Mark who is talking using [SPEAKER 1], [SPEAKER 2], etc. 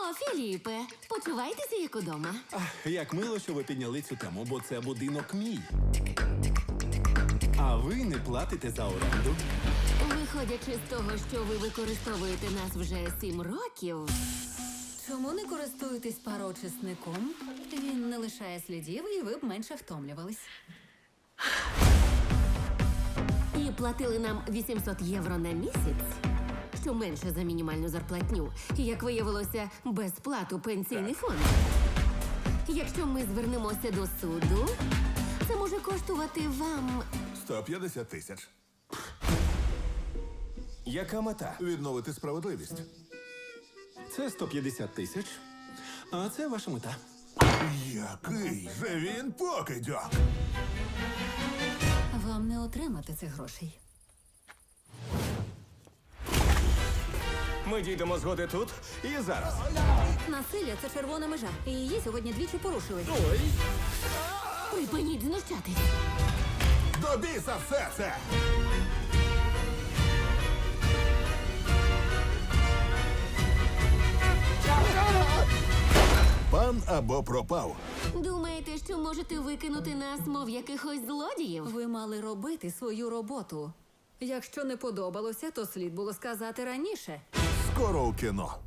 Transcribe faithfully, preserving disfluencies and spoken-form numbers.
[SPEAKER 1] О, Філіпе, почувайтеся як удома.
[SPEAKER 2] Ах, як мило, що ви підняли цю тему, бо це будинок мій. А ви не платите за оренду.
[SPEAKER 1] Виходячи з того, що ви використовуєте нас вже сім років.
[SPEAKER 3] Чому не користуєтесь пароочисником? Він не лишає слідів, і ви б менше втомлювались.
[SPEAKER 1] І платили нам вісімсот євро на місяць, що менше за мінімальну зарплатню. І, як виявилося, безплату пенсійний фонд. Якщо ми звернемося до суду, це може коштувати вам
[SPEAKER 4] сто п'ятдесят тисяч.
[SPEAKER 2] Яка мета?
[SPEAKER 4] Відновити справедливість.
[SPEAKER 2] Це сто п'ятдесят тисяч, а це ваша мета.
[SPEAKER 4] Який же він покидьок!
[SPEAKER 3] Вам не отримати цих грошей.
[SPEAKER 5] Ми дійдемо згоди тут і зараз.
[SPEAKER 3] Насилля – це червона межа, і її сьогодні двічі порушили.
[SPEAKER 1] припиніть знущатись.
[SPEAKER 4] До біса все це! Пан або пропав.
[SPEAKER 1] Думаєте, що можете викинути нас, мов якихось злодіїв?
[SPEAKER 3] Ви мали робити свою роботу. Якщо не подобалося, то слід було сказати раніше.
[SPEAKER 4] Скоро у кіно.